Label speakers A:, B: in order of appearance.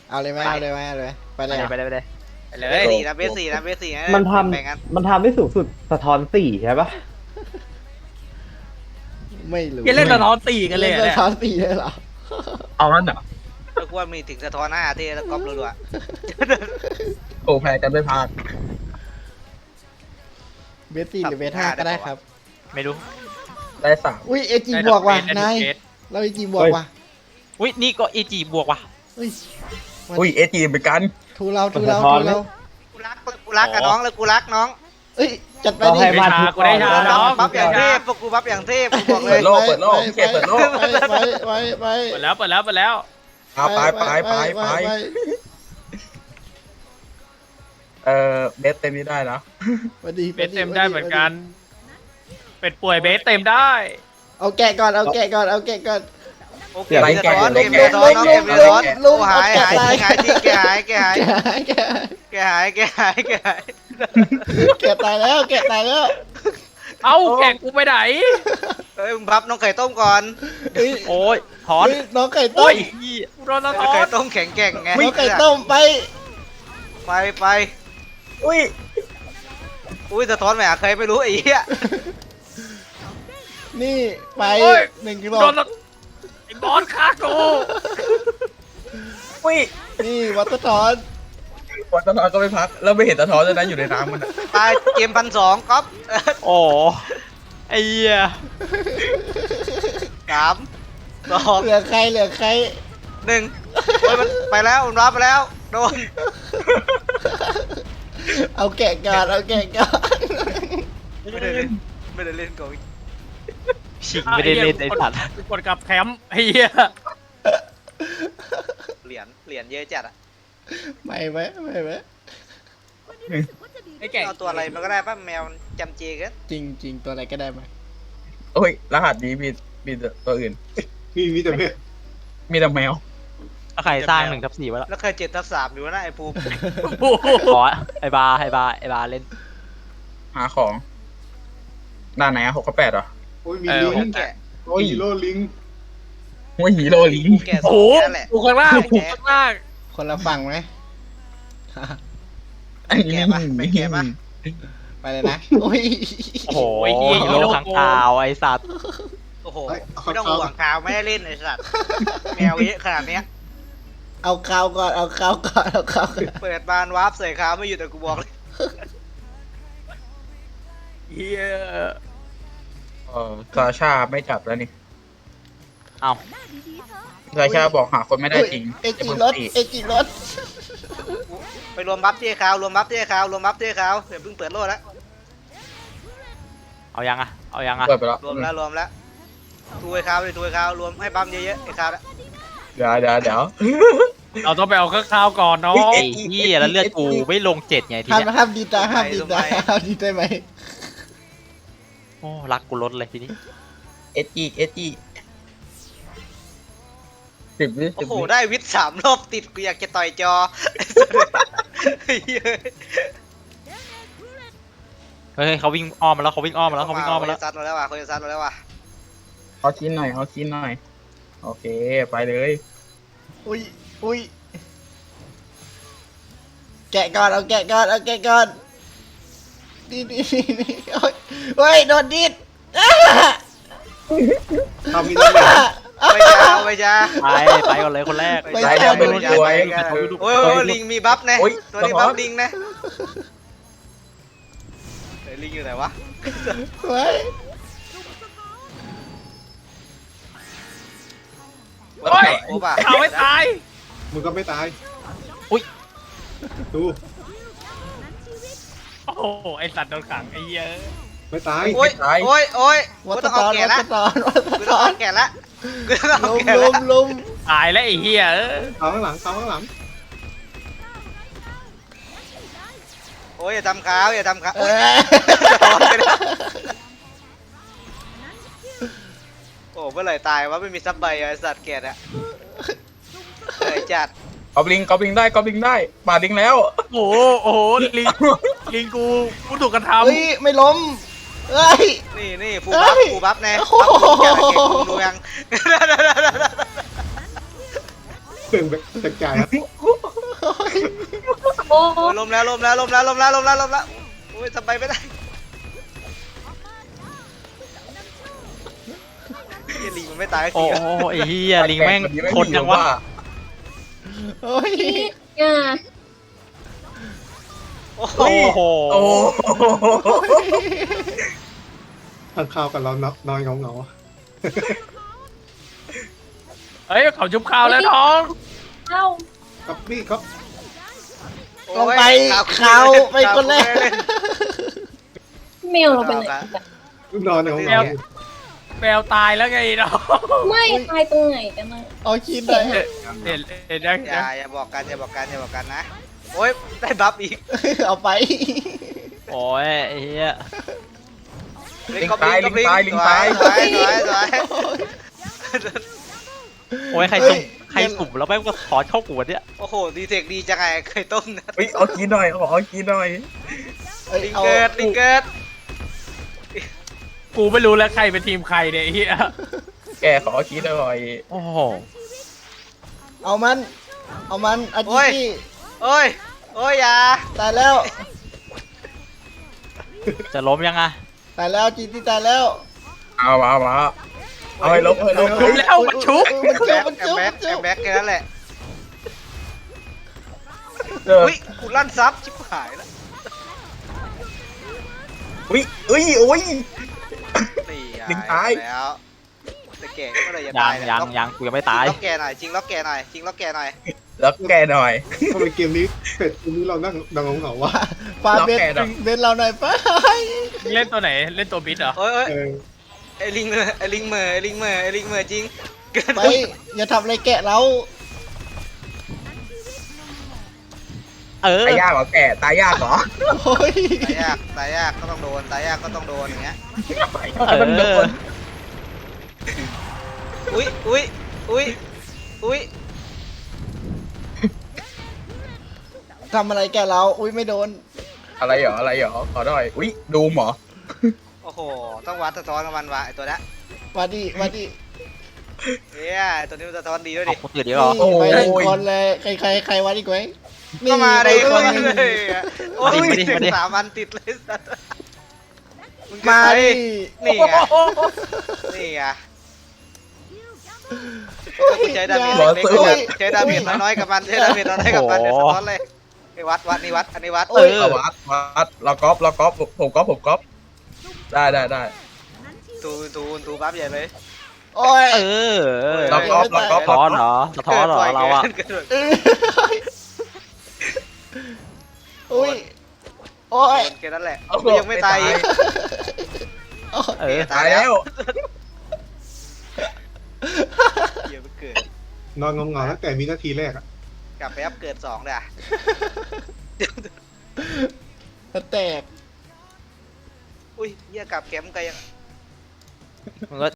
A: เอาเลยไหมเอาเลยไหมเอาเลยไปเลย
B: ไปเลยไปเลย
C: ไปเล
D: เบ
C: ย
D: สสี่นะเบสสี่นะเบสสี่นะ
E: มันท
D: แบ่งกัน
E: ำมันทำได้สูงสุดสะท้อนสี่ใช่ปะ
A: ไม่รู้
B: ยังเล่นสะท้อนตีกันเลย
A: เล่น
B: เนี่ย
A: สะท้อนตีเลยเหรอ
E: เอางั้นเหรอ
D: แล้วกูว่ามีถึงสะท้อนหน้าที่แล้วก๊อปรัว
E: โอ้แพ้กันไม่พลาด
A: เบส4หรือเบส5ก็ได้ครับ
B: ไม่รู้
E: ได้สาม
A: อุ้ยเอจีบวกว่ะนาย
B: ได้
A: เราเอจีบวกว่ะ
B: อุ้ยนี่ก็เอจีบวกว่ะ
A: เฮ้ย
E: อุ้ยเอจีเหมือนกัน
A: ทูเราทูเราทูเรา
D: ๆกูรักกับน้องแล้วกูรักน้อง
A: เอ้ยจัดไปดิ
E: ให้บ้าน
B: กูได้ชาน้อง
D: บัฟอย่างเทพพวกกูบัฟอย่างเทพกูบอกเล
E: เปิ
D: ย
E: ดโลกเปิดโลกเขตเปิดโลก
A: ไปไปไป
B: เปิดแล้วเปิดแล้วเปิดแล้ว
E: เอาไปเบสเต็มนี้ได้นะ
A: ไปดี
B: เบสเต็มได้เหมือนกัน เป็ดป่วยเบสเต็มได้
A: เอาแกะก่อนเอาแกะก่อนเอาแกะก่อน
D: โอเคสะท้อนเกมสะท้อนน้องเกมสะท้อน
A: ลุง
D: หายที่แกหาย
A: แกะแกะ แกะตายแล้วแกะตายแล้ว
B: เอ้าแกงกูไปไหน
D: เฮ้ยมึงพับน้องไข่ต้มก่อน
A: เฮ้ย
B: โอ้ยถอน
A: เฮ้ยน้องไก่ต้
B: โอ้
A: ม
B: ยกูโดนสะ
D: น้
B: ท้
D: อง
B: อ
D: ไข่
B: น
D: ต้มแข็งแกร่งไง
A: น้องไก่ต้มไป
D: ไป
E: อุ้ย
D: อุ้ยสะท้อนแหมใครไม่รู้ไอ้เหี้ย
A: นี่ไป
B: โอ้ย
A: 1 กิโล
B: โดนสะไอ้บอสฆ่ากู
E: อุ้ย
A: นี่วัตถุทอน
E: วันสะท้อนก็ไม่พักแล้วไม่เห็นสะท้อนเลยนะอยู่ในน้ำมัน
D: ตายเกม1,200ก๊อฟ
B: โอ้ไอ้เหี้ย
D: 3 2
A: เหลือใครเหลือใคร
D: 1เฮ้ยมันไปแล้วมันรับไปแล้วโดน
A: เอาแกะก่อนเอาแกะก่อน
D: ไม่ได้เล่นโกง
B: ชิงไม่ได้เล่นไอ้สัตว์กดกลับแคมป์ไอ้เหี้ย
D: เหรียญเยอะจัดอ่ะ
A: ไม่ไหมไม่ไหม
B: ไอ้แก่ง
D: เอาตัวอะไรมันก็ได้ป่ะแมวมันจำเจกัน
A: จริงจริงตัวอะไรก็ได้ไหม
E: โอ้ยรหัสนี้มีตัวอื่น
F: มีแต่เพศ
E: มีแต่แมว
B: ใครสร้าง1/4ไว้แล้ว
D: แล้วเคย7/3อยู่นะไอ้ภูมิ
B: ขอไอ้บาเล่น
E: หาของด้านไหนอะ6กับ8เหรอ
F: โอ้ยมี
B: เออ
F: ลิ
D: ภู
F: ง
D: มิแกะ
F: โอ้ยฮีโร่ลิง
E: โอ้ยฮีโร่ลิง
D: ภูมิแกะส
B: โอ้
D: อง
B: โห
D: แค่นั้นแหละ
B: กูข้างล่างกูข้างล่าง
A: คนละฝั่งไหม
E: อันนี้
D: แกะปะไม่แกะปะ
A: ไปเลยนะโอ้ย
B: โอ้โหฮีโร่ข้างคาวไอ้สัตว์
D: โอ้โหไม่ต้องห่วงข่าวไม่ได้เล่นไอ้สัตว์แมวเยอะขนาดเนี้ย
A: เอาข้าวก่อนเอาข้าวก่อนเอาข้าวก่อน
D: เปิดบานวาร์ปใส่ข่าวไม่อยู่แต่กูบอกเลย
B: เฮีย
E: ซาชาไม่จับแล้วนี่
B: เอ้า
E: ซาชาบอกหาคนไม่ได้จริง
A: เอจิรถเอจิรถ
D: ไปรวมบัฟที่ข่าวรวมบัฟที่ข่าวรวมบัฟที่ข่าวเดี๋ยวเพิ่งเปิดโลดแล้ว
B: เอายังอะ
E: เปิดไปแล้ว
D: รวมแล้วทูไอ้ข่าวเลยทูไอ้ข่าวรวมให้ปั๊มเยอะๆไอ้ข่าวละ
E: เดี๋ยว
B: เราต้องไปเอาข้าวก่อนเนาะไอ้เฮียแล้วเลือดกูไม่ลง7ไงที
A: ห้าม
B: เนี้ย
A: ห้ามดีตาห้ามดีตาห้ามดีได้ไหม
B: โอ้รักกูลดเลยทีนี้
E: เอจี10 วิ
D: โอ้โหได้วิทย์3 รอบติดกูอยากจะต่อยจอไอ้เหี้ย
B: เฮ้ยเขาวิ่งอ้อมมาแล้วเขาวิ่งอ้อมมาแล้ว
D: เขาจะซัดเราแล้วว่ะเขาจะซัดเราแล้วว่ะ
E: เอาชิ้นหน่อยโอเคไปเลย
A: อุ้ยอุ้ยแกะก่อนเอาแกะก่อนเอาแกะก่อนนี่โอ้ยเฮ้ยโดนดิด
F: ทำมีแต่เพศ
D: ไม่จ้า
B: ไปก่อนเลยคนแรก
E: ไปแล้วเป็นรวย
D: โอ้ยลิงมีบัฟนะตัวนี้บัฟลิงนะลิงอยู่ไหนวะ
A: เฮ้ย
D: โอ้ป่ะ
B: เอาไม่ตาย
F: มึงก็ไม่ตาย
B: อุ๊ย
F: ดู
B: โอ้โหไอสัตว์โดนขังไอ้เหี้ย
F: ไม่ตาย
D: โอ้ย
A: วั
D: กู
A: ต
D: ต้อง
A: ต
D: เอา
A: อน
D: แก่ละ
A: วัตตอนวัต
D: กู
A: ต
D: ต้อง
A: อ
D: เอา
A: น
D: แก่ละกูต้องเอา
A: ลุม
D: แก่
A: ลุ
D: ละ
A: มลุม
B: ตายแล้วไอ้เหี้ย
F: เอาข้างหลังเอาข้างหลัง
D: โอ้ยอย่าทำขาวอย่าทำขาว
A: เอ้ย
D: โอ้เมื่อไหร่ตายวะไม่มีซับใบไอสัตว์แก่อะเลยจัด
E: กอบลิงได้ปาดลิงแล้ว
B: โอ้โหลิงกูถูกกระท
A: เฮ้ยไม่ล้มเฮ้ย
D: นี่ฟูบัฟแน่
A: โอ้โห
D: บัฟแก่เก่งดูยัง
F: เปลืองแบบแจกจ่ายครับ
C: โอ้
D: โอ้ยล้มแล้วโอ้ยทำไปไม่ได้เฮียลิงมันไม่ตายสัก
B: โอ้
D: ที
B: โหไอ้เหี้ยลิงแม่งทนยังวะ
A: โอ้ย
C: อ่ะ
D: โอ้โห
B: โอ้โห
E: โอ้โห
F: ทานข้าวกับเรานอนเงา
B: เฮ้ยเขาชุบข้าวแล้วน้อง
C: เอ้า
F: ๆกับนี่ครับ
A: ลงไปเขาไปคนแรก
C: แมวเราเป็นไหน
F: นอนเงา
B: แมวตายแล้วไงน้อง
C: ไม่ตายตรงไหนกันนะ
A: เอาคิดหน่อย
B: เห็นยัง
D: อย่าบอกกันนะโอ้ยได้บัฟอีก
A: เอาไป
B: โอ้ยไอ้เหี้ย
E: ลิงตายลิงตายลิงตาย
D: สวย
B: โอ้ยใครสุ่มแล้วแม่งก็ถอนเข้าหัวเนี่ย
D: โอ้โหดีเทคดีจังไงเคยต้มนะ
E: เฮ้ยเอากินหน่อยขอกินหน่อย
D: ลิงเกิด
B: กูไม่รู้แล้วใครเป็นทีมใครเนี่ยไอ้เหี้ย
E: แกขอกินหน่อย
B: โอ้โห
A: เอามันอาจิตี้
D: โอ้ยอย่า
A: ตายแล้ว
B: จะล้มยังอะ
A: ตายแล้วจีตี้ตายแล้ว
E: เอาให้ลบให้ลบ
B: ชุบแล้วมันชุบ
A: มันจุบ
D: แบ็คแค่นั้นแหละ
E: เออ
D: อุ้ยกูลั่นซับชิบหายแล้ว
E: อุ้ยโอ้ย
D: นี่
E: ลิงตาย
D: แล้วแต่แก่เมื่อไรจะ
B: ยั
D: ตาง ย
B: ยังกูยังไม่ตาย
D: ล็อกแกหน่อยจริงล็อกแกหน่อย
E: แล้วแกหน่อย
F: ทำไมเกมนี้เป็ดเกมนี้เรานั่งเงาๆวะ
A: ฟาเบนเบนเราหน่อยไป
B: เล่นตัวไหนเล่นตัวบิดเหรอ
D: โอ้ย
F: เออ
D: ไอ้ลิงเมอจริงเกิน
A: ไปอย่าทำอะไรแกะเรา
B: เออ
E: ตายยากเหรอแกตายยากเหรอ
A: โอ้ย
D: ตายยากก็ต้องโดนอย่างเงี้ย
E: มันโดน
D: อุ้ย
A: ทำอะไรแกะเราอุ้ยไม่โดน
E: อะไรเหรอขอหน่อยอุ้ยดูหมอ
D: โอ้โหต้องวัดสะท้อนกับมันว่ะไอ้ตัวนี้
A: มาดิ
D: เฮ้ยไอ้ตัวนี้มันสะท้อนดีด้วย
B: เอา
D: ดิ
B: คนอื่นดีกว่า
A: นี่ไปหนึ่งคนเลยใครวัดอีกไหม
D: ก็มา
A: ไป
D: ดิ
A: คนหนึง
D: โอ้ย3 วันติดเลยสัตว์
A: มาดิ
D: นี่ไงก็กูใช้ดาเมจเล็กๆใช้ดาเมจน้อยๆกับมันเดี๋ยวสะท้อนเลยไอ้วัดอันนี้วัด
B: เออ
E: เอาวัดเราก๊อปผมก๊อปได้
D: ตูบัฟใหญ่เลย
A: โอ้ย
B: เออ
E: เราก๊อป
B: สะท้อนเหรอเราอะ
A: อุ้ยโอ้ย
D: แค่นั้นแหละยังไม่ตายอีก
B: เออ
E: ตายแล้ว
D: เดี๋ยวมันเกิด
F: นอนเงาๆตั้งแต่วินาทีแรกอะ
D: กลับไปอัพเกิด2เลยอ่ะ
A: แตก
D: อุ้ยเหี้ยกลับแคมป์ไกลยัง
B: มันก็